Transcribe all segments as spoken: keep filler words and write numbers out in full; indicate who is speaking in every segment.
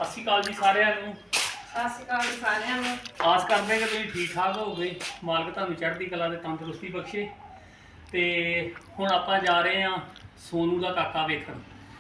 Speaker 1: ਸਤਿ ਸ਼੍ਰੀ ਅਕਾਲ ਜੀ ਸਾਰਿਆਂ ਨੂੰ।
Speaker 2: ਸਤਿ ਸ਼੍ਰੀ ਅਕਾਲ ਜੀ ਸਾਰਿਆਂ ਨੂੰ।
Speaker 1: ਆਸ ਕਰਦੇ ਕਿ ਤੁਸੀਂ ਠੀਕ ਠਾਕ ਹੋਗੇ। ਮਾਲਕ ਤੁਹਾਨੂੰ ਚੜ੍ਹਦੀ ਕਲਾ ਤੇ ਤੰਦਰੁਸਤੀ ਬਖਸ਼ੇ। ਤੇ ਹੁਣ ਆਪਾਂ ਜਾ ਰਹੇ ਹਾਂ ਸੋਨੂ ਦਾ ਕਾਕਾ ਵੇਖਣ।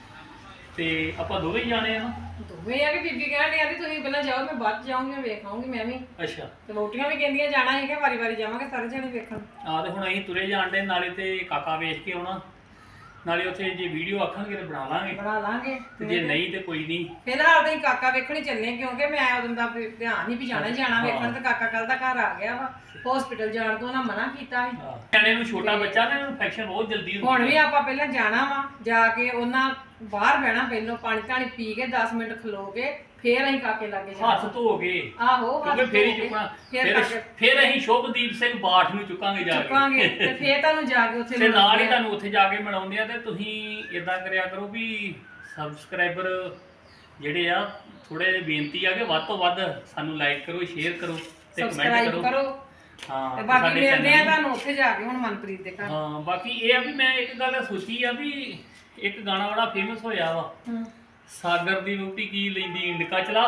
Speaker 1: ਤੇ ਆਪਾਂ ਦੋਵੇਂ ਹੀ ਜਾਣੇ ਆ ਨਾ।
Speaker 2: ਦੋਵੇਂ ਆ ਕਿ ਬੀਬੀ ਕਹਿਣ ਡਈ ਤੁਸੀਂ ਪਹਿਲਾਂ ਜਾਓ, ਮੈਂ ਬਾਅਦ ਜਾਊਂਗੀ, ਮੈਂ ਵੇਖ ਆਊਂਗੀ ਮੈਂ ਵੀ।
Speaker 1: ਅੱਛਾ।
Speaker 2: ਤੇ ਵੋਟੀਆਂ ਵੀ ਕਹਿੰਦੀਆਂ ਜਾਣਾ ਹੈਗਾ, ਵਾਰੀ ਵਾਰੀ ਜਾਵਾਂਗੇ ਸਾਰੇ ਜਣੇ ਵੇਖਣ।
Speaker 1: ਆ ਤੇ ਹੁਣ ਅਸੀਂ ਤੁਰੇ ਜਾਣਦੇ ਨਾਲੇ ਤੇ ਕਾਕਾ ਵੇਖ ਕੇ ਆਉਣਾ, ਨਾਲੇ ਉੱਥੇ ਜੇ ਵੀਡੀਓ ਆਖਣਗੇ ਤੇ ਬਣਾ ਲਾਂਗੇ
Speaker 2: ਬਣਾ ਲਾਂਗੇ।
Speaker 1: ਤੇ ਜੇ ਨਹੀਂ ਤੇ ਕੋਈ ਨਹੀਂ।
Speaker 2: ਫਿਲਹਾਲ ਤਾਂ ਕਾਕਾ ਵੇਖਣ ਹੀ ਚੱਲੇ ਕਿਉਂਕਿ ਮੈਂ ਉਦੋਂ ਦਾ ਵੀ ਧਿਆਨ ਨਹੀਂ ਵੀ ਜਾਣਾ ਹੀ ਜਾਣਾ ਵੇਖਣ। ਤੇ ਕਾਕਾ ਕੱਲ ਦਾ ਘਰ ਆ ਗਿਆ ਵਾ, ਹਸਪੀਟਲ ਜਾਣ ਤੋਂ ਉਹਨਾਂ ਮਨਾ ਕੀਤਾ ਸੀ।
Speaker 1: ਨਿਆਣੇ ਨੂੰ ਛੋਟਾ ਬੱਚਾ ਨਾ, ਇਨਫੈਕਸ਼ਨ ਬਹੁਤ ਜਲਦੀ ਹੁੰਦੀ।
Speaker 2: ਹੁਣ ਵੀ ਆਪਾਂ ਪਹਿਲਾਂ ਜਾਣਾ ਵਾ, ਜਾ ਕੇ ਉਹਨਾਂ ਬਾਹਰ ਬਹਿਣਾ, ਪਹਿਲਾਂ ਪਾਣੀ ਧਾਣੀ ਪੀ ਕੇ ਦਸ ਮਿੰਟ ਖਲੋ ਕੇ ਫੇਰ ਅਸੀਂ ਕਾਕੇ ਲਾਗੇ ਜਾਣਾ।
Speaker 1: ਹੱਥ ਧੋ ਗਏ
Speaker 2: ਆਹੋ
Speaker 1: ਕਿਉਂਕਿ ਫੇਰ ਹੀ ਚੁੱਕਣਾ। ਫਿਰ ਫਿਰ ਅਸੀਂ ਸ਼ੁਭਦੀਪ ਸਿੰਘ ਬਾਠ ਨੂੰ ਚੁੱਕਾਂਗੇ ਜਾ ਕੇ
Speaker 2: ਚੁੱਕਾਂਗੇ ਤੇ ਫੇਰ ਤੁਹਾਨੂੰ ਜਾ ਕੇ ਉੱਥੇ
Speaker 1: ਤੇ ਨਾਲ ਹੀ ਤੁਹਾਨੂੰ ਉੱਥੇ ਜਾ ਕੇ ਮਿਲਾਉਂਦੇ ਆ। ਤੇ ਤੁਸੀਂ ਇਦਾਂ ਕਰਿਆ ਕਰੋ ਵੀ ਸਬਸਕ੍ਰਾਈਬਰ ਜਿਹੜੇ ਆ ਥੋੜੇ ਜਿਹੇ ਬੇਨਤੀ ਆ ਕਿ ਵੱਧ ਤੋਂ ਵੱਧ ਸਾਨੂੰ ਲਾਈਕ ਕਰੋ, ਸ਼ੇਅਰ ਕਰੋ ਤੇ ਕਮੈਂਟ ਕਰੋ। ਹਾਂ
Speaker 2: ਤੇ ਬਾਕੀ ਮਿਲਦੇ ਆ ਤੁਹਾਨੂੰ ਉੱਥੇ ਜਾ ਕੇ ਹੁਣ ਮਨਪ੍ਰੀਤ ਦੇ ਘਰ।
Speaker 1: ਹਾਂ ਬਾਕੀ ਇਹ ਆ ਵੀ ਮੈਂ ਇੱਕ ਗੱਲ ਸੋਚੀ ਆ ਵੀ ਇੱਕ ਗਾਣਾ ਬੜਾ ਫੇਮਸ ਹੋਇਆ ਵਾ, ਸਾਗਰ ਦੀ ਰੋਟੀ ਕੀ ਲੈਂਦੀ ਇੰਡਕਾ ਚਲਾ।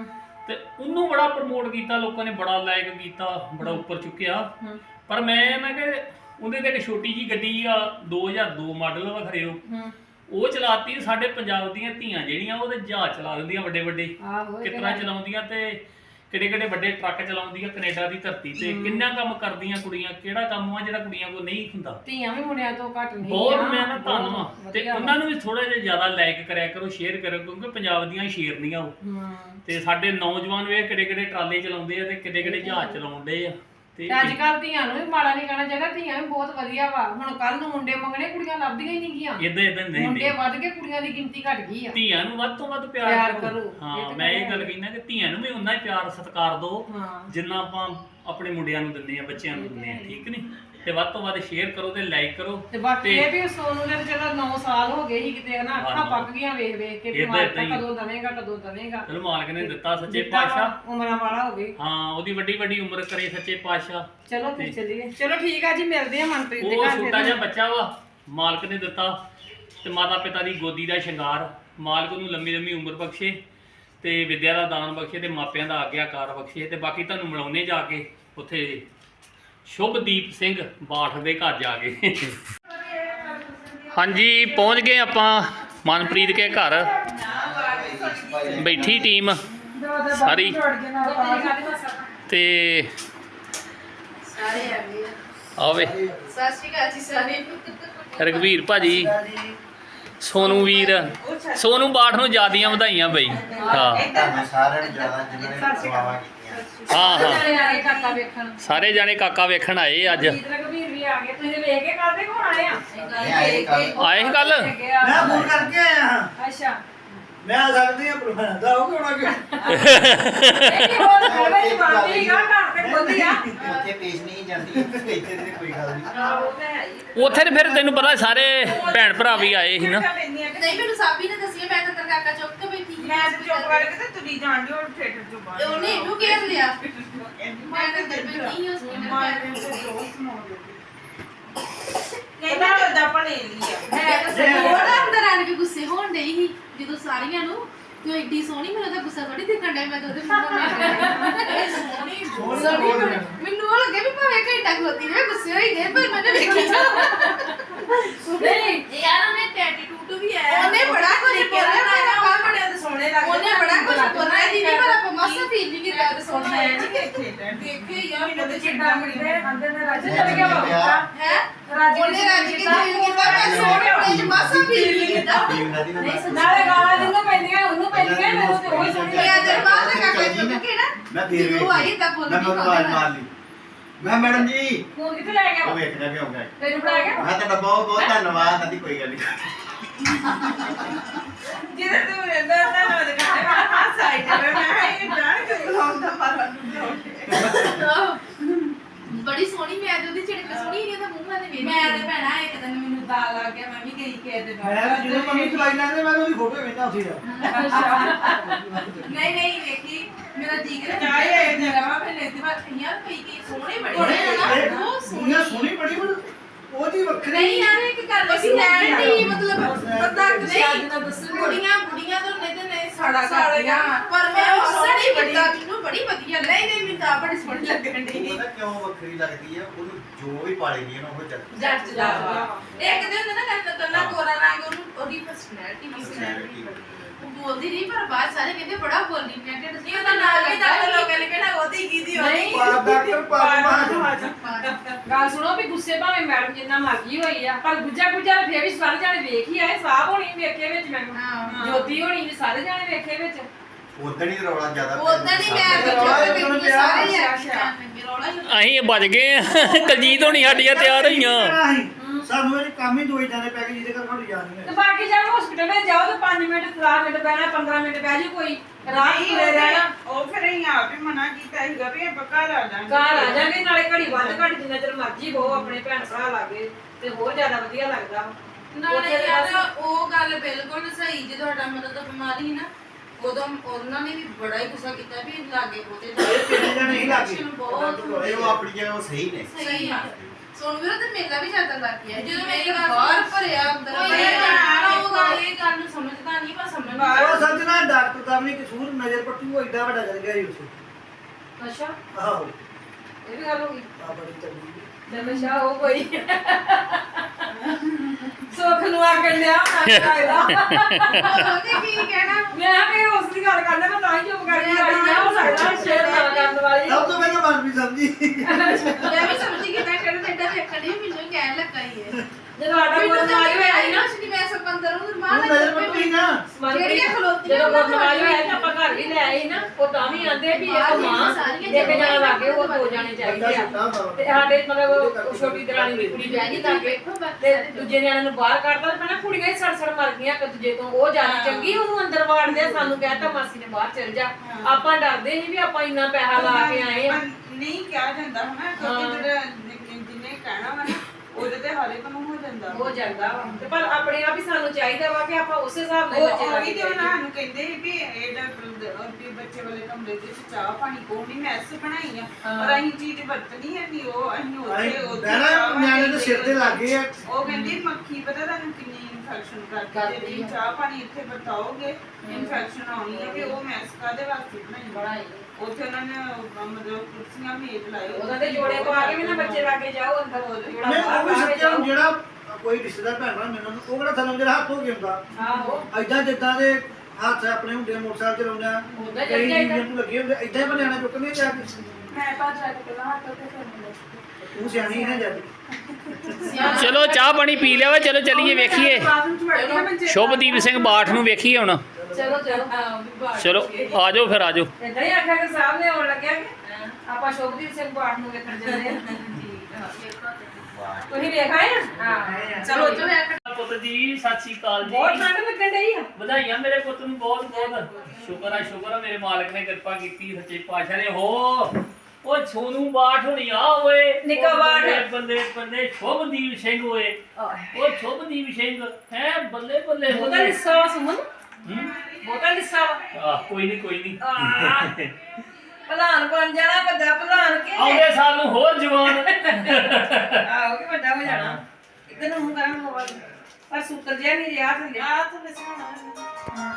Speaker 1: ਤੇ ਉਹਨੂੰ ਬੜਾ ਪ੍ਰਮੋਟ ਕੀਤਾ ਲੋਕਾਂ ਨੇ, ਬੜਾ ਲਾਈਕ ਕੀਤਾ, ਬੜਾ ਉੱਪਰ ਚੁੱਕਿਆ। ਪਰ ਮੈਂ ਨਾ ਕਿ ਉਹਦੇ ਤੇ ਇੱਕ ਛੋਟੀ ਜੀ ਗੱਡੀ ਆ ਦੋ ਹਜ਼ਾਰ ਦੋ ਮਾਡਲ ਵਾ ਖਰੇ, ਉਹ ਉਹ ਚਲਾਤੀ। ਸਾਡੇ ਪੰਜਾਬ ਦੀਆਂ ਧੀਆਂ ਜਿਹੜੀਆਂ ਉਹ ਤੇ ਜਹਾਜ਼ ਚਲਾ ਦਿੰਦੀਆਂ ਵੱਡੇ ਵੱਡੇ, ਕਿਤਨਾ ਚਲਾਉਂਦੀਆਂ ਤੇ ਕਿਹੜੇ ਕਿਹੜੇ ਵੱਡੇ ਟਰੱਕ ਚਲਾਉਂਦੀਆਂ ਕੈਨੇਡਾ ਦੀ ਧਰਤੀ ਤੇ। ਕਿੰਨਾ ਕੰਮ ਕਰਦੀਆਂ ਕੁੜੀਆਂ, ਕਿਹੜਾ ਕੰਮ ਆ ਜਿਹੜਾ ਕੁੜੀਆਂ ਕੋਲ ਨਹੀਂ ਹੁੰਦਾ।
Speaker 2: ਧੀਆਂ ਵੀ ਮੁੰਡਿਆਂ ਤੋਂ ਘੱਟ ਨਹੀਂ
Speaker 1: ਬਹੁਤ। ਮੈਂ ਨਾ ਧੰਨਵਾਦ। ਤੇ ਉਹਨਾਂ ਨੂੰ ਵੀ ਥੋੜਾ ਜਿਹਾ ਜ਼ਿਆਦਾ ਲਾਈਕ ਕਰਿਆ ਕਰੋ, ਸ਼ੇਅਰ ਕਰੋ, ਕਿਉਂਕਿ ਪੰਜਾਬ ਦੀਆਂ ਸ਼ੇਰਨੀਆਂ ਉਹ। ਤੇ ਸਾਡੇ ਨੌਜਵਾਨ ਵੇਖ ਕਿਹੜੇ ਕਿਹੜੇ ਟਰਾਲੇ ਚਲਾਉਂਦੇ ਆ ਤੇ ਕਿਹੜੇ ਕਿਹੜੇ ਜਹਾਜ਼ ਚਲਾਉਂਦੇ ਆ। ਤੇ
Speaker 2: ਅੱਜ ਕੱਲ ਧੀਆਂ ਨੂੰ ਵੀ ਮਾੜਾ ਨਹੀਂ ਕਹਿਣਾ ਚਾਹੀਦਾ, ਧੀਆਂ ਵੀ ਬਹੁਤ ਵਧੀਆ ਵਾ। ਹੁਣ ਕੱਲ ਨੂੰ ਮੁੰਡੇ ਮੰਗਣੇ, ਕੁੜੀਆਂ ਲੱਭਦੀਆਂ ਹੀ ਨਹੀਂ ਗੀਆਂ।
Speaker 1: ਇਦਾਂ ਇਦਾਂ ਨਹੀਂ,
Speaker 2: ਮੁੰਡੇ ਵੱਧ ਕੇ ਕੁੜੀਆਂ ਦੀ ਗਿਣਤੀ ਘਟ ਗਈ ਆ।
Speaker 1: ਧੀਆਂ ਨੂੰ ਵੱਧ ਤੋਂ ਵੱਧ ਪਿਆਰ ਕਰੋ। ਹਾਂ ਮੈਂ ਇਹ ਗੱਲ ਕਹਿੰਦਾ ਕਿ ਧੀਆਂ ਨੂੰ ਵੀ ਉਨਾ ਹੀ ਪਿਆਰ ਸਤਿਕਾਰ ਦਿਓ ਜਿੰਨਾ ਆਪਾਂ ਆਪਣੇ ਮੁੰਡਿਆਂ ਨੂੰ ਦਿੰਦੇ ਆ, ਬੱਚਿਆਂ ਨੂੰ ਦਿੰਦੇ ਆ। ਠੀਕ ਨਹੀਂ? ਤੇ ਵੱਧ ਤੋਂ ਵੱਧ ਸ਼ੇਅਰ ਕਰੋ ਤੇ ਲਾਈਕ ਕਰੋ।
Speaker 2: ਤੇ ਬਾਕੀ ਇਹ ਵੀ ਸੋਨੂ ਨੇ ਚਲੋ ਨੌ ਸਾਲ ਹੋ ਗਏ ਸੀ ਕਿਤੇ ਨਾ, ਅੱਖਾਂ ਪੱਕ ਗਈਆਂ ਵੇਖ ਵੇਖ ਕੇ ਵੀ ਮਾਲਕ ਕਦੋਂ ਦਵੇਂਗਾ ਕਦੋਂ ਦਵੇਂਗਾ।
Speaker 1: ਚਲੋ ਮਾਲਕ ਨੇ ਦਿੱਤਾ ਸੱਚੇ ਪਾਤਸ਼ਾਹ,
Speaker 2: ਉਮਰਾਂ ਵਾਲਾ ਹੋ ਗਈ।
Speaker 1: ਹਾਂ ਉਹਦੀ ਵੱਡੀ ਵੱਡੀ ਉਮਰ ਕਰੇ ਸੱਚੇ ਪਾਤਸ਼ਾਹ।
Speaker 2: ਚਲੋ ਫਿਰ ਚੱਲੀਏ। ਚਲੋ ਠੀਕ ਆ ਜੀ, ਮਿਲਦੇ ਆ ਮਨਪ੍ਰੀਤ ਦੇ
Speaker 1: ਉਹ
Speaker 2: ਘਰ।
Speaker 1: ਛੋਟਾ ਜਿਹਾ ਬੱਚਾ ਵਾ ਮਾਲਕ ਨੇ ਦਿੱਤਾ, ਤੇ ਮਾਤਾ ਪਿਤਾ ਦੀ ਗੋਦੀ ਦਾ ਸ਼ਿੰਗਾਰ। ਮਾਲਕ ਨੂੰ ਲੰਮੀ ਲੰਮੀ ਉਮਰ ਬਖਸ਼ੇ ਤੇ ਵਿਦਿਆ ਦਾ ਦਾਨ ਬਖਸ਼ੇ ਤੇ ਮਾਪਿਆਂ ਦਾ ਆਗਿਆਕਾਰ ਬਖਸ਼ੇ। ਤੇ ਬਾਕੀ ਤੁਹਾਨੂੰ ਮਿਲਾਉਣੇ ਜਾ ਕੇ ਉੱਥੇ ਸ਼ੁਭਦੀਪ ਸਿੰਘ ਬਾਠ ਦੇ ਘਰ ਜਾ ਕੇ। ਹਾਂਜੀ ਪਹੁੰਚ ਗਏ ਆਪਾਂ ਮਨਪ੍ਰੀਤ ਕੇ ਘਰ। ਬੈਠੀ ਟੀਮ ਸਾਰੀ ਤੇ ਆਵੇ।
Speaker 3: ਸਤਿ ਸ਼੍ਰੀ ਅਕਾਲ ਜੀ ਸਾਰੇ।
Speaker 1: ਰਘਵੀਰ ਭਾਜੀ, ਸੋਨੂ ਵੀਰ, ਸੋਨੂ ਬਾਠ ਨੂੰ ਜਿਆਦੀਆਂ ਵਧਾਈਆਂ ਬਈ। ਹਾਂ
Speaker 4: ਸਾਰਿਆਂ ਨੂੰ ਜ਼ਿਆਦਾ ਜਿਨ੍ਹਾਂ ਨੇ ਸੇਵਾਵਾਂ ਕੀਤੀਆਂ।
Speaker 1: ਹਾਂ ਹਾਂ
Speaker 2: ਕਾਕਾ ਵੇਖਣ
Speaker 1: ਸਾਰੇ ਜਾਣੇ ਕਾਕਾ ਵੇਖਣ ਆਏ ਅੱਜ।
Speaker 2: ਰਘਵੀਰ ਵੀ ਆ ਗਏ। ਤੁਸੀਂ ਵੇਖ ਕੇ ਕਰਦੇ ਕੋਣ ਆਏ ਆ?
Speaker 1: ਆਏ ਸੀ ਕੱਲ?
Speaker 4: ਮੈਂ ਫੋਨ ਕਰਕੇ ਆਇਆ।
Speaker 2: ਅੱਛਾ
Speaker 4: ਮੈਂ ਆ ਸਕਦੀ ਆ ਪ੍ਰੋਫੈਸਰ ਦਾ ਉਹ ਕਿਉਂ ਨਾ
Speaker 2: ਇਹ ਹੋਰ ਘਰ ਵਿੱਚ ਬਾਤੀ ਗਾ ਘਰ ਤੇ ਖੋਦੀ ਆ।
Speaker 4: ਉੱਥੇ ਪੇਸ਼ ਨਹੀਂ ਜਾਂਦੀ, ਇੱਥੇ ਤੇ ਕੋਈ ਗੱਲ ਨਹੀਂ।
Speaker 2: ਉਹ ਤੇ ਹੈ ਹੀ।
Speaker 1: ਉੱਥੇ ਤੇ ਫਿਰ ਤੈਨੂੰ ਪਤਾ ਸਾਰੇ ਭੈਣ ਭਰਾ ਵੀ ਆਏ ਸੀ ਨਾ।
Speaker 3: ਨਹੀਂ ਮੈਨੂੰ ਸਾਬੀ ਨੇ ਦੱਸਿਆ, ਮੈਂ ਤਾਂ ਤੇਰਾ ਕਾਕਾ ਚੁੱਕ ਕੇ ਬੈਠੀ ਸੀ।
Speaker 5: ਮੈਂ ਤੇ ਚੁੱਪ ਕਰਕੇ ਤੇ ਤੁਰੀ ਜਾਣ ਦੀ ਹੁਣ ਥੀਏਟਰ ਚੋਂ ਬਾਹਰ।
Speaker 3: ਤੇ ਉਹਨੇ ਇਹਨੂੰ ਘੇਰ ਲਿਆ। ਮੈਂ ਤਾਂ ਅੰਦਰ ਬੈਠੀ ਸੀ ਉਸ ਵੇਲੇ।
Speaker 5: ਮਾਰੇ ਤੇ ਦੋਸਤ ਸੁਣਾਉਂਦੇ ਕਹਿੰਦਾ ਉਹਦਾ ਭਲੇ ਲਈ ਆ।
Speaker 3: ਮੈਂ ਤਾਂ ਸਹੀ ਉਹਦਾ ਅੰਦਰ ਆਣ ਕੇ ਗੁੱਸੇ ਹੋਣ ਡਈ ਸੀ ਜਦੋਂ ਸਾਰੀਆਂ ਨੂੰ। ਤੂੰ ਐਡੀ ਸੋਹਣੀ, ਮੈਨੂੰ ਤਾਂ ਗੁੱਸਾ ਥੋੜੀ ਦਿਖਣ ਡਿਆ। ਮੈਂ ਤਾਂ ਉਹਦੇ ਮੂੰਹੋਂ ਮੈਂ ਸੋਹਣੀ ਸੋਹਣੀ ਮੈਨੂੰ ਉਹ ਲੱਗੇ ਵੀ ਭਾਵੇਂ ਘੰਟਾ ਖਲੋਤੀ ਰਹੇ, ਗੁੱਸੇ ਹੋਈ ਗਏ ਪਰ ਮੈਨੂੰ ਵੇਖੀ ਜਾ। ਨਹੀਂ ਯਾਰ ਉਹਨੇ ਐਟੀਟਿਊਡ ਵੀ ਹੈ। ਉਹਨੇ ਬੜਾ ਕੁਝ ਬੋਲਿਆ।
Speaker 5: ਮੈਂ ਬੜਿਆ ਤੇ ਸੋਹਣੇ ਲੱਗਦੇ।
Speaker 3: ਉਹਨੇ ਬੜਾ ਕੁਝ ਬੋਲਿਆ ਜੀ, ਨਹੀਂ ਪਰ ਆਪਾਂ ਮਾਸਾ ਫੀਲ ਨਹੀਂ ਕੀਤਾ ਤੇ ਸੋਹਣਾ
Speaker 5: ਮੈਂ
Speaker 3: ਹੈ।
Speaker 5: ਨਹੀਂ ਦੇਖੇ
Speaker 3: ਦੇਖੇ ਯਾਰ
Speaker 5: ਮੈਨੂੰ ਤੇ ਚਿੰਤਾ ਮਿਲਦੇ
Speaker 2: ਅੰਦਰ ਦੇ ਰਾਜੇ ਚਲੇ ਗਿਆ ਬਾਬਾ।
Speaker 3: ਹੈ ਉਹਨੇ ਰਾਜੀ ਕੀ ਫੀਲ ਕੀਤਾ, ਮੈਂ ਸੋਹਣੇ ਬੜੇ ਚ ਮਾਸਾ ਫੀਲ ਨਹੀਂ ਕੀਤਾ।
Speaker 2: ਨਹੀਂ ਨਾਲੇ ਗਾਲਾਂ ਜਿਹਨੂੰ ਪੈਂਦੀਆਂ ਉਹਨੂੰ ਪੈਂਦੀਆਂ, ਮੈਨੂੰ ਤੇ ਉਹੀ ਸੁਣੀ
Speaker 3: ਮੈਂ ਅਦਰ ਬਾਅਦ ਦਾ ਕਾਕਾ ਚੁੱਕ ਕੇ ਨਾ
Speaker 4: ਮੈਂ ਫੇਰ
Speaker 3: ਜਦੋਂ ਆਈ ਤਾਂ ਬੋਲ
Speaker 4: ਮੈਂ ਮੈਨੂੰ ਆਵਾਜ਼ ਮਾਰ ਲਈ। ਮੈਂ ਮੈਡਮ ਜੀ
Speaker 2: ਫੋਨ ਕਿੱਥੇ ਲੈ ਗਿਆ?
Speaker 4: ਉਹ ਵੇਖਣਾ ਵੀ ਆਉਂਗਾ।
Speaker 2: ਤੈਨੂੰ ਬੁਲਾ ਗਿਆ?
Speaker 4: ਮੈਂ ਤੁਹਾਡਾ ਬਹੁਤ ਬਹੁਤ ਧੰਨਵਾਦ। ਆਦੀ ਕੋਈ ਗੱਲ ਨਹੀਂ।
Speaker 5: ਜਿਹਦੇ ਤੂੰ ਰਹਿੰਦਾ ਤਾਂ ਨਾ ਦੇ ਘਰ ਮੈਂ ਸਾਈਡ ਤੇ ਮੈਂ ਇਹ ਜਾਣ ਕੇ ਬੁਲਾਉਂਦਾ ਮਾਰਾ ਨੂੰ।
Speaker 3: ਬੜੀ ਸੋਹਣੀ ਮੈਂ ਉਹਦੀ ਝੜਕ ਸੋਹਣੀ ਨਹੀਂ ਤਾਂ ਮੂੰਹ ਨਾਲ ਵੇਖ।
Speaker 5: ਮੈਂ ਤੇ ਭੈਣਾ ਇੱਕ ਦਿਨ ਮੈਨੂੰ ਦਾ ਲੱਗ ਗਿਆ, ਮੈਂ ਵੀ ਗਈ ਕੇ ਤੇ
Speaker 4: ਮੈਂ ਤਾਂ ਜਦੋਂ ਮੰਮੀ ਚਲਾਈ ਲੈਂਦੇ ਮੈਂ ਉਹਦੀ ਫੋਟੋ ਵੇਖਦਾ ਉੱਥੇ ਦਾ।
Speaker 5: ਨਹੀਂ ਨਹੀਂ ਵੇਖੀ
Speaker 3: ਮੇਰਾ ਜੀ ਕਰੇ
Speaker 5: ਚਾਹੇ ਇਹ
Speaker 3: ਜਗ੍ਹਾ ਮੈਂ ਲੈਂਦੀ ਬਾਤ ਯਾਰ ਕਈ ਕਈ ਸੋਹਣੇ ਬੜੇ
Speaker 4: ਇਹ
Speaker 3: ਬਹੁਤ
Speaker 4: ਸੋਹਣੀ ਸੋਹਣੀ ਬੜੀ ਬੜੀ ਉਹਦੀ ਵੱਖਰੀ।
Speaker 3: ਨਹੀਂ ਯਾਰ ਇੱਕ ਗੱਲ ਅਸੀਂ ਲੈਣ ਦੀ ਮਤਲਬ ਪਤਾ
Speaker 2: ਸ਼ਾਇਦ ਨਾ ਦੱਸਣ।
Speaker 3: ਕੁੜੀਆਂ ਕੁੜੀਆਂ ਤੋਂ ਨਹੀਂ ਤੇ ਨਹੀਂ
Speaker 2: ਸਾੜਾ
Speaker 5: ਸਾੜਾ
Speaker 2: ਕਰਦੀਆਂ
Speaker 3: ਪਰ ਮੈਂ
Speaker 5: ਉਹ
Speaker 3: ਉਸੇ
Speaker 5: ਸੋਹਣੀ
Speaker 3: ਨਹੀਂ
Speaker 5: ਬੜੀ।
Speaker 3: ਕੀਤਾ ਮੈਨੂੰ ਬੜੀ ਵਧੀਆ
Speaker 5: ਨਹੀਂ ਨਹੀਂ ਮੈਨੂੰ ਤਾਂ ਬੜੀ ਸੋਹਣੀ ਲੱਗਣ ਦੀ
Speaker 6: ਪਤਾ ਕਿਉਂ ਵੱਖਰੀ ਲੱਗਦੀ ਆ ਉਹਨੂੰ ਜੋ ਵੀ ਪਾਲੇਗੀ ਨਾ ਉਹ ਜੱਜ
Speaker 5: ਜੱਜ ਦਾ ਇੱਕ ਦਿਨ ਹੁੰਦਾ ਨਾ ਕੱਲਾ ਗੋਰਾ ਰੰਗ ਉਹਨੂੰ ਉਹਦੀ ਪਰਸਨੈਲਿਟੀ
Speaker 6: Personality
Speaker 3: ਉਹ ਬੋਲਦੀ ਨਹੀਂ ਪਰ ਬਾਅਦ ਸਾਰੇ ਕਹਿੰਦੇ ਬੜਾ ਬੋਲੀ ਮੈਂ ਕਿ
Speaker 5: ਨਹੀਂ ਉਹਦਾ ਨਾਮ ਵੀ ਤਾਂ ਲੋਕਾਂ ਨੇ ਕਹਿਣਾ ਉਹਦੀ ਕੀਦੀ
Speaker 2: ਨਹੀਂ।
Speaker 4: ਪਾਪ ਡਾਕਟਰ ਪਾਪ ਮਹਾਜ
Speaker 2: ਗੱਲ ਸੁਣੋ ਵੀ ਗੁੱਸੇ ਭਾਵੇਂ ਮੈਡਮ ਜਿੰਨਾ ਮਰਜ਼ੀ ਹੋਈ ਆ ਪਰ ਗੁੱਜਾ ਗੁੱਜਾ ਫੇਰ ਵੀ ਸਾਰੇ ਜਾਣੇ ਵੇਖ ਹੀ ਆਏ ਸਾਹ ਹੋਣੀ ਵੇਖੇ ਵਿੱਚ ਮੈਨੂੰ
Speaker 3: ਹਾਂ।
Speaker 2: ਜੋਤੀ ਹੋਣੀ ਵੀ ਸਾਰੇ ਜਾਣੇ ਵੇਖੇ ਵਿੱਚ
Speaker 6: ਉਦੋਂ ਹੀ ਰੌਲਾ ਜ਼ਿਆਦਾ
Speaker 3: ਉਦਾਂ ਨਹੀਂ ਮੈਂ
Speaker 4: ਰੌਲਾ ਹੀ ਉਦੋਂ
Speaker 3: ਵੀ
Speaker 4: ਪਿਆ।
Speaker 3: ਸਾਰੇ ਹੀ ਆ
Speaker 2: ਅੱਛਾ।
Speaker 3: ਰੌਲਾ ਹੀ
Speaker 1: ਅਸੀਂ ਬਚ ਗਏ ਆ ਕਲਜੀਤ ਹੋਣੀ ਸਾਡੀਆਂ ਤਿਆਰ ਹੋਈਆਂ
Speaker 4: ਸਾਨੂੰ ਇਹ ਕੰਮ ਹੀ ਦੋ ਇਦਾਂ ਦੇ ਪੈ ਗਏ ਜਿਹਦੇ ਕਰਕੇ ਸਾਨੂੰ ਯਾਦ ਨਹੀਂ
Speaker 2: ਤੇ ਬਾਕੀ ਜਾ ਹਸਪੀਟਲ ਵਿੱਚ ਜਾਓ ਤਾਂ ਪੰਜ ਮਿੰਟ ਦਸ ਮਿੰਟ ਬਹਿਣਾ ਪੰਦਰਾਂ ਮਿੰਟ ਬਹਿ ਜੀ ਕੋਈ ਰਾਤ
Speaker 5: ਨਹੀਂ
Speaker 2: ਤੁਰੇ ਰਹਿਣਾ
Speaker 5: ਉਹ ਫਿਰ ਅਸੀਂ ਆਪ ਹੀ ਮਨਾ ਕੀਤਾ ਸੀਗਾ ਵੀ ਆਪਾਂ ਘਰ ਆ ਜਾਾਂਗੇ
Speaker 2: ਘਰ ਆ ਜਾਗੇ ਨਾਲੇ ਘੜੀ ਵੱਧ ਘੜੀ ਜਿੰਨਾ ਚਿਰ ਮਰਜ਼ੀ ਬਹੁ ਆਪਣੇ ਭੈਣ ਭਰਾ ਲਾਗੇ ਤੇ ਹੋਰ ਜ਼ਿਆਦਾ ਵਧੀਆ ਲੱਗਦਾ ਵਾ।
Speaker 3: ਨਾਲੇ
Speaker 2: ਉੱਥੇ ਤਾਂ
Speaker 3: ਯਾਰ
Speaker 2: ਬਸ-
Speaker 3: ਉਹ ਗੱਲ ਬਿਲਕੁਲ ਸਹੀ ਜੇ ਤੁਹਾਡਾ ਮਤਲਬ ਬਿਮਾਰੀ ਨਾ ਉਦੋਂ ਉਹਨਾਂ ਨੇ ਵੀ ਬੜਾ ਹੀ ਗੁੱਸਾ ਕੀਤਾ ਵੀ ਲਾਗੇ ਪੋਤੇ
Speaker 4: ਕਿੰਨੇ ਜਣੇ ਨਹੀਂ ਲਾਗੇ।
Speaker 3: ਬਹੁਤ
Speaker 6: ਇਹ ਉਹ ਆਪਣੀ ਜਗ੍ਹਾ ਉਹ ਸਹੀ ਨੇ
Speaker 3: ਸਹੀ ਆ ਸੋਨ ਵੀਰੋ ਤੇ ਮੇਲਾ ਵੀ ਜ਼ਿਆਦਾ ਲੱਗ ਗਿਆ ਜਦੋਂ ਮੇਰੇ ਬਾਹਰ ਭਰਿਆ ਅੰਦਰ
Speaker 5: ਕੋਈ
Speaker 3: ਭਰਿਆ,
Speaker 5: ਨਾ,
Speaker 3: ਉਹ ਗੱਲ ਇਹ ਗੱਲ ਨੂੰ ਸਮਝਦਾ ਨਹੀਂ ਪਰ ਸਮਝ
Speaker 4: ਉਹ ਸੱਜਣਾ ਡਾਕਟਰ ਦਾ ਵੀ ਨਹੀਂ ਕਸੂਰ ਨਜ਼ਰ ਪੱਟੀ ਉਹ ਏਡਾ ਵੱਡਾ ਚੱਲ ਗਿਆ ਜੀ ਉਸੇ
Speaker 2: ਅੱਛਾ
Speaker 4: ਆਹੋ
Speaker 2: ਇਹ ਵੀ ਗੱਲ ਹੋ ਗਈ
Speaker 4: ਆ ਬੜੀ ਚੰਗੀ
Speaker 2: ਜਦ ਸ਼ਾ ਹੋ ਕੋਈ ਸੁੱਖ ਨੂੰ ਆ ਕੰਨਿਆ ਲੱਗਦਾ
Speaker 3: ਉਹਨੇ ਕੀ ਕਹਿਣਾ
Speaker 2: ਮੈਂ ਕਿ ਉਸ ਦੀ ਗੱਲ ਕਰਦਾ ਮੈਂ ਤਾਂ ਹੀ ਚੁੱਪ ਕਰ ਗਈ ਮੈਂ ਹੋ ਸਕਦਾ ਸ਼ੇਰ ਨਾ ਕਰਨ ਵਾਲੀ
Speaker 4: ਸਭ ਤੋਂ ਪਹਿਲਾਂ ਮਨ ਵੀ ਸਮਝੀ
Speaker 3: ਮੈਂ ਵੀ ਸਮਝ ਗਈ ਤਾਂ ਕਹਿੰਦਾ ਟੇਡਾ ਵੇਖਣ ਦੀ ਮੈਨੂੰ ਕਹਿਣ ਲੱਗਾ ਹੀ ਹੈ
Speaker 2: ਜਦੋਂ ਆਟਾ
Speaker 3: ਮੈਨੂੰ
Speaker 2: ਗੋਲ
Speaker 3: ਤਾਂ
Speaker 2: ਮਾਰੀ ਹੋਈ
Speaker 3: ਆਈ
Speaker 2: ਨਾ
Speaker 3: ਨਾ ਸ਼ਨੀ ਮੈਂ ਸਰਪੰਦਰ ਨੂੰ
Speaker 4: ਉਹ
Speaker 3: ਰਮਾਨ
Speaker 4: ਨਜ਼ਰ ਪੱਟੀ ਨਾ
Speaker 3: ਜਿਹੜੀਆਂ ਖਲੋਤੀਆਂ
Speaker 2: ਜਦੋਂ
Speaker 3: ਉਹਨਾਂ
Speaker 2: ਗੋਲ ਮਾਰੀ ਹੋਈ ਤਾਂ ਆਪਾਂ ਘਰ ਵੀ ਲੈ ਆਈ ਨਾ ਉਹ ਤਾਂ ਵੀ ਆਂਦੇ ਵੀ ਇੱਕ ਮਾਂ ਇੱਕ ਜਣਾ ਲਾਗੇ ਉਹ ਦੋ ਜਾਣੇ ਚਾਹੀਦੇ
Speaker 4: ਵੱਡਾ
Speaker 2: ਆ
Speaker 4: ਛੋਟਾ ਹੁੰਦਾ ਵਾ।
Speaker 2: ਤੇ ਸਾਡੇ ਮਤਲਬ ਉਹ ਛੋਟੀ ਦਰਾਣੀ ਦੀ ਕੁੜੀ ਬਹਿ ਗਈ ਤਾਂ
Speaker 3: ਵੇਖੋ
Speaker 2: ਤੇ ਦੂਜੇ ਨਿਆਣੇ ਨੂੰ ਬਾਹਰ ਕੱਢਦਾ ਤੇ ਪਹਿਲਾਂ ਕੁੜੀਆਂ ਹੀ ਸੜ ਸੜ ਮਰ ਗਈਆਂ ਇੱਕ ਦੂਜੇ ਤੋਂ ਉਹ ਜ਼ਿਆਦਾ ਚੰਗੀ ਉਹਨੂੰ ਅੰਦਰ ਵਾੜਦੇ ਆ, ਸਾਨੂੰ ਕਹਿਤਾ ਮਾਸੀ ਨੇ ਬਾਹਰ ਚਲ ਜਾ ਆਪਾਂ ਡਰਦੇ ਸੀ ਵੀ ਆਪਾਂ ਇੰਨਾ ਪੈਸਾ ਲਾ ਕੇ ਆਏ ਆ
Speaker 5: ਨਹੀਂ ਕਿਹਾ ਜਾਂਦਾ ਹਨਾ ਕਿਉਂਕਿ ਜਿਹੜਾ ਜਿੰਨੇ ਕਹਿਣਾ ਵਾ ਨਾ ਉਹਦੇ ਤੇ ਹਾਲੇ ਕੰਮ ਹੋ ਜਾਂਦਾ
Speaker 2: ਹੋ ਜਾਂਦਾ ਵਾ ਤੇ ਪਰ ਆਪਣੇ ਆਪ ਹੀ ਸਾਨੂੰ ਚਾਹੀਦਾ ਵਾ ਕਿ ਆਪਾਂ ਉਸੇ ਹਿਸਾਬ ਨਾਲ
Speaker 5: ਉਹ
Speaker 2: ਬੱਚੇ
Speaker 5: ਉਹ ਵੀ ਤੇ
Speaker 2: ਰੱਖੀਏ।
Speaker 5: ਉਹਨਾਂ ਨੂੰ ਕਹਿੰਦੇ ਸੀ ਵੀ ਇਹ ਡਾਕਟਰ ਵੀ ਬੱਚੇ ਵਾਲੇ ਕਮਰੇ ਦੇ ਵਿੱਚ ਚਾਹ ਪਾਣੀ ਕੋਈ ਨਹੀਂ ਮੈਸ ਬਣਾਈ ਆ ਪਰ ਅਸੀਂ ਚੀਜ਼ ਵਰਤਣੀ ਹੈ ਨਹੀਂ ਉਹ ਅਸੀਂ ਉੱਥੇ ਉੱਥੇ
Speaker 4: ਬਹਿਣਾ
Speaker 5: ਚਾਹ ਪਾਣੀ
Speaker 4: ਨਿਆਣੇ ਦੇ ਸਿਰ ਤੇ ਲੱਗੇ ਆ
Speaker 5: ਉਹ ਕਹਿੰਦੀ ਮੱਖੀ ਪਤਾ ਤੁਹਾਨੂੰ ਕਿੰਨੀ ਇਨਫੈਕਸ਼ਨ ਕਰਦੀ ਹੈ ਜੇ ਚਾਹ ਪਾਣੀ ਇੱਥੇ ਵਰਤਾਓਗੇ ਇਨਫੈਕਸ਼ਨ ਆਉਣੀ ਹੈ ਕਿ ਉਹ ਮੈਸ ਕਾਦੇ ਵਾਸਤੇ ਬਣਾਈ
Speaker 2: ਬਣਾਈ
Speaker 5: ਉੱਥੇ ਉਹਨਾਂ ਨੇ ਉਹ ਮਤਲਬ ਕੁਰਸੀਆਂ ਮੇਜ਼ ਲਾਏ
Speaker 2: ਉਹਨਾਂ ਦੇ ਜੋੜੇ ਪਾ ਕੇ ਵੀ ਨਾ ਬੱਚੇ ਲਾਗੇ ਜਾਓ ਅੰਦਰ ਉਹ ਜੋੜਾ
Speaker 4: ਨਹੀਂ
Speaker 2: ਬਾਹਰ
Speaker 4: ਉਹ ਵੀ
Speaker 2: ਪਾ ਕੇ
Speaker 4: ਸੱਚਿਆ
Speaker 2: ਜਾਓ।
Speaker 4: ਜਿਹੜਾ ਕੋਈ ਰਿਸ਼ਤੇਦਾਰ ਭੈਣ ਭਰਾ ਮੈਨੂੰ ਉਹ ਕਿਹੜਾ ਥੱਲੋਂ ਜਿਹੜਾ ਹੱਥ ਹੋ ਗਿਆ ਹੁੰਦਾ
Speaker 2: ਆਹੋ
Speaker 4: ਐਦਾਂ ਜਿੱਦਾਂ ਦੇ ਹੱਥ ਆਪਣੇ ਹੁੰਦੇ ਆ ਮੋਟਰਸਾਈਕਲ ਚਲਾਉਂਦੇ ਆ
Speaker 2: ਉਹਦਾ
Speaker 4: ਕਈ
Speaker 2: ਚੱਲ ਜਾਈਦਾ।
Speaker 4: ਨੂੰ ਲੱਗੇ ਹੁੰਦੇ ਐਦਾਂ ਹੀ ਬਣਾਣਾ ਚੁੱਕਣੇ ਜਾ ਕੇ
Speaker 5: ਮੈਂ ਪਾ ਜਾ ਕੇ ਪਹਿਲਾਂ ਹੱਥ ਉੱਤੇ ਕਰਨਾ
Speaker 4: ਤੂੰ ਸਿਆਣੀ ਹੈ ਜਦ
Speaker 1: ਚਲੋ ਚਾਹ ਪਾਣੀ ਪੀ ਲਿਆ ਵਾ ਚਲੋ ਚਲੀਏ ਵੇਖੀਏ ਸ਼ੁਭਦੀਪ ਸਿੰਘ ਬਾਠ ਨੂੰ ਵੇਖੀਏ ਹੁਣ
Speaker 2: ਚਲੋ ਚਲੋ
Speaker 1: ਚਲੋ ਆ ਜਾਓ ਫਿਰ ਆ ਜਾਓ
Speaker 2: ਇਦਾਂ ਹੀ ਆਖਿਆ ਕਿ ਸਾਹਮਣੇ ਆਉਣ ਲੱਗਿਆ ਕਿ ਆਪਾਂ ਸ਼ੋਭਦੀਪ ਸਿੰਘ ਬਾਠ ਨੂੰ ਵੇਖਣ ਚੱਲੇ ਆ ਤੁਸੀਂ ਵੇਖ ਆਏ ਆ ਹਾਂ
Speaker 3: ਚਲੋ ਜੋ ਹੈ
Speaker 1: ਪੁੱਤ ਜੀ ਸਤਿ ਸ਼੍ਰੀ ਅਕਾਲ
Speaker 2: ਬਹੁਤ
Speaker 1: ਜੀ
Speaker 2: ਠੰਡ ਲੱਗਣ ਡਈ ਆ
Speaker 1: ਵਧਾਈਆਂ ਮੇਰੇ ਪੁੱਤ ਨੂੰ ਬਹੁਤ ਬਹੁਤ ਸ਼ੁਕਰ ਆ ਸ਼ੁਕਰ ਆ ਮੇਰੇ ਮਾਲਕ ਨੇ ਕਿਰਪਾ ਕੀਤੀ ਸੱਚੇ ਪਾਤਸ਼ਾਹ ਨੇ ਹੋ ਉਹ ਛੋਨੂ ਬਾਠ ਹੋਣੀ ਆ ਓਏ
Speaker 2: ਨਿੱਕਾ ਬਾਠ।
Speaker 1: ਬੱਲੇ ਬੱਲੇ ਬੱਲੇ ਸ਼ੁਭਦੀਪ ਸਿੰਘ ਓਏ ਉਹ ਸ਼ੁਭਦੀਪ ਸਿੰਘ ਹੈ ਬੱਲੇ ਬੱਲੇ
Speaker 2: ਬਹੁਤਾ ਲਿੱਸਾ ਵਾ ਸੁਮਨ
Speaker 1: ਹੂੰ?
Speaker 2: ਬਹੁਤਾ ਲਿੱਸਾ ਵਾ
Speaker 1: ਆ ਕੋਈ ਨਹੀਂ ਕੋਈ ਨਹੀਂ
Speaker 2: ਆਹ। ਭਲਾਨ ਬਣ ਜਾਣਾ ਵੱਡਾ ਭਲਾਨ ਕੇ
Speaker 1: ਆਉਂਦੇ ਸਾਲ ਨੂੰ ਹੋਰ ਜਵਾਨ
Speaker 2: ਆਹੋ ਕਿ ਵੱਡਾ ਹੋ ਜਾਣਾ ਇਦਾਂ ਨੂੰ ਕਰਾਂ ਹੋਵਾ ਪਰ ਸੁੱਕਰ ਜਿਆ ਨਹੀਂ ਰਿਹਾ ਥੱਲੇ
Speaker 5: ਆ ਤਾਂ ਵਸਾਣਾ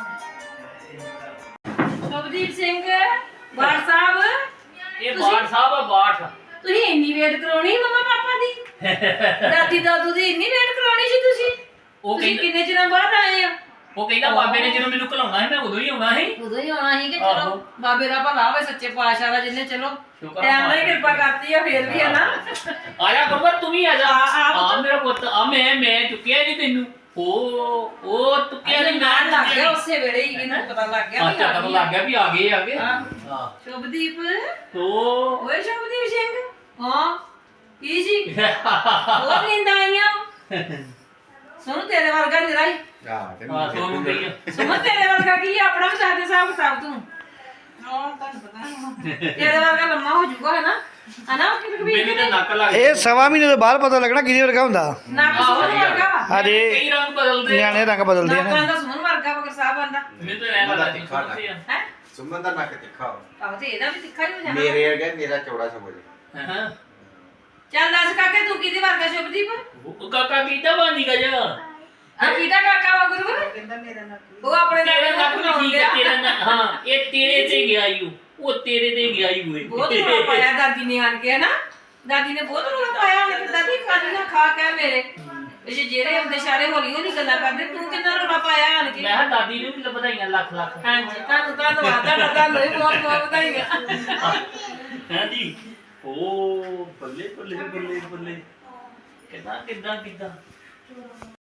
Speaker 2: ਸ਼ੁਭਦੀਪ ਸਿੰਘ ਬਾਠ ਸਾਹਿਬ
Speaker 1: ਇਹ ਬਾਠ ਸਾਹਿਬ ਆ ਬਾਠ
Speaker 2: ਤੁਸੀਂ ਇੰਨੀ ਵੇਟ ਕਰਾਉਣੀ ਮਮਾ ਪਾਪਾ ਦੀ ਦਾਦੀ ਦਾਦੂ ਦੀ ਇੰਨੀ ਵੇਟ ਕਰਾਉਣੀ ਸੀ ਤੁਸੀਂ
Speaker 1: ਉਹ
Speaker 2: ਤੁਸੀਂ
Speaker 1: ਕਹਿੰਦਾ
Speaker 2: ਕਿੰਨੇ ਚਿਰਾਂ ਬਾਅਦ ਆਏ ਆ
Speaker 1: ਉਹ ਕਹਿੰਦਾ ਬਾਬੇ ਨੇ ਜਦੋਂ ਮੈਨੂੰ ਘਲਾਉਣਾ ਸੀ ਮੈਂ ਉਦੋਂ ਹੀ ਆਉਣਾ ਸੀ
Speaker 2: ਉਦੋਂ ਹੀ ਆਉਣਾ ਸੀ ਕਿ
Speaker 1: ਆਹੋ।
Speaker 2: ਚਲੋ ਬਾਬੇ ਦਾ ਭਲਾ ਹੋਵੇ ਸੱਚੇ ਪਾਤਸ਼ਾਹ ਦਾ ਜਿੰਨੇ ਚਲੋ
Speaker 1: ਸ਼ੁਕਰ ਆ
Speaker 2: ਟਾਈਮ ਨਾਲ ਹੀ
Speaker 1: ਮਹਾਰਾਜ।
Speaker 2: ਕਿਰਪਾ ਕਰਤੀ ਆ ਫੇਰ ਵੀ ਹੈ ਨਾ
Speaker 1: ਆਇਆ ਗੁਰਬਤ ਤੂੰ ਵੀ ਆ ਜਾ
Speaker 2: ਆ, ਆ ਪੁੱਤ।
Speaker 1: ਆ ਮੇਰਾ ਪੁੱਤ ਆ ਮੈਂ ਮੈਂ ਚੁੱਕਿਆ ਨਹੀਂ ਤੈਨੂੰ ਉਹ ਉਹ ਚੁੱਕਿਆ
Speaker 2: ਇਹਦੇ
Speaker 1: ਨਹੀਂ
Speaker 2: ਨਾਲ ਲੱਗ ਗਿਆ ਉਸੇ ਵੇਲੇ ਹੀ ਇਹਨੂੰ ਪਤਾ ਲੱਗ ਗਿਆ
Speaker 1: ਆ
Speaker 2: ਵੀ
Speaker 1: ਚੱਕਰ ਲੱਗ ਗਿਆ ਵੀ ਆ ਗਏ ਆ ਗਏ
Speaker 2: ਹਾਂ।
Speaker 1: ਹਾਂ
Speaker 2: ਸ਼ੁਭਦੀਪ
Speaker 1: ਤੋ
Speaker 2: ਓਏ ਸ਼ੁਭਦੀਪ ਸਿੰਘ ਹਾਂ ਕੀ ਜੀ ਬਹੁਤ ਨੀਂਦਾਂ ਆਈਆਂ ਸੁਣ ਤੇਰੇ ਵਰਗਾ ਨਿਰਾ ਹੀ
Speaker 1: ਹਾਂ ਤੁਹਾਨੂੰ ਕਹੀ
Speaker 2: ਸੁਮਨ ਤੇਰੇ ਵਰਗਾ ਕੀ ਆ? ਆਪਣਾ ਵੀ ਦੱਸ ਦੇ ਹਿਸਾਬ ਕਿਤਾਬ ਤੂੰ
Speaker 5: ਹਾਂ ਤੁਹਾਨੂੰ ਪਤਾ
Speaker 2: ਤੇਰੇ ਵਰਗਾ ਲੰਮਾ ਹੋ ਜਾਊਗਾ ਹਨਾ ਹਨਾ ਕਿ ਵੀ
Speaker 1: ਮੈਨੂੰ ਤਾਂ ਨੱਕ ਲੱਗ
Speaker 4: ਇਹ ਸਵਾ ਮਹੀਨੇ ਤੋਂ ਬਾਅਦ ਪਤਾ ਲੱਗਣਾ ਕਿਹਦੇ ਵਰਗਾ ਹੁੰਦਾ
Speaker 2: ਨੱਕ ਸੁਮਨ ਵਰਗਾ ਵਾ
Speaker 4: ਹਾਂਜੀ।
Speaker 1: ਕਈ ਰੰਗ ਬਦਲਦੇ ਆ।
Speaker 4: ਨਿਆਣੇ ਰੰਗ ਬਦਲਦੇ ਆ
Speaker 2: ਨੱਕ
Speaker 4: ਨਾ
Speaker 2: ਆਂਦਾ ਸੁਮਨ ਵਰਗਾ ਵਗਰ ਸਾਹਿਬ ਆਂਦਾ
Speaker 1: ਮੈਨੂੰ ਤਾਂ ਐਂ ਲੱਗਦਾ ਨਹੀਂ ਸੁਣਦੇ ਆ
Speaker 2: ਹੈ
Speaker 6: ਸੁਮਨ ਦਾ ਨੱਕ ਤਿੱਖਾ ਵਾ।
Speaker 2: ਆਹੋ ਤੇ ਇਹਦਾ ਵੀ ਤਿੱਖਾ ਹੀ ਹੋ ਜਾਣਾ
Speaker 6: ਮੇਰੇ ਵਰਗਾ ਮੇਰਾ ਚੌੜਾ ਸਮਝ
Speaker 1: ਹਾਂ
Speaker 2: ਚੱਲ ਦੱਸ ਕਾਕੇ ਤੂੰ ਕਿਹਦੇ ਵਰਗਾ ਸ਼ੁਭਦੀਪ
Speaker 1: ਉਹ ਕਾਕਾ ਕੀਤਾ ਬਾਂਦੀ ਗਾ ਜਾ
Speaker 2: ਹਾਂ ਕਿਹਦਾ ਕਾਕਾ ਵਾ ਗੁਰੂ
Speaker 5: ਕਹਿੰਦਾ ਮੇਰਾ ਨਾ
Speaker 2: ਉਹ ਆਪਣੇ ਨਾਲ
Speaker 1: ਤੇਰਾ
Speaker 2: ਨਾਲ
Speaker 1: ਨੱਕ ਵੀ ਠੀਕ ਹੈ ਤੇਰਾ ਨੱਕ- ਹਾਂ ਇਹ ਤੇਰੇ ਤੇ ਗਿਆ ਈ ਓ, ਉਹ ਤੇਰੇ ਤੇ ਗਿਆ ਈ ਓਏ
Speaker 2: ਬਹੁਤ ਰੋਲਾ ਪਾਇਆ ਦਾਦੀ ਨੇ ਆਣ ਕੇ ਹਨਾ ਦਾਦੀ ਨੇ ਬਹੁਤ ਰੋਲਾ ਪਾਇਆ ਉਹਨੇ ਕਿ ਦਾਦੀ ਖਾਣੀ ਨਾ ਖਾ ਕੇ ਮੇਰੇ ਇਹ ਜਿਹੜੇ ਹੁੰਦੇ ਸਾਰੇ ਹੌਲੀ ਹੌਲੀ ਗੱਲਾਂ ਕਰਦੇ ਤੂੰ ਕਿੰਨਾ ਰੋਲਾ ਪਾਇਆ ਆਣ ਕੇ
Speaker 1: ਮੈਂ ਕਿਹਾ ਦਾਦੀ ਨੂੰ ਵੀ ਵਧਾਈਆਂ ਲੱਖ ਲੱਖ
Speaker 2: ਹਾਂਜੀ ਤੁਹਾਨੂੰ ਧੰਨਵਾਦ ਤੁਹਾਡਾ ਤੁਹਾਨੂੰ ਵੀ ਬਹੁਤ ਬਹੁਤ ਵਧਾਈਆਂ
Speaker 1: ਹਾਂਜੀ ਓ ਬੱਲੇ ਬੱਲੇ ਬੱਲੇ ਬੱਲੇ ਕਿੱਦਾਂ ਕਿੱਦਾਂ ਕਿੱਦਾਂ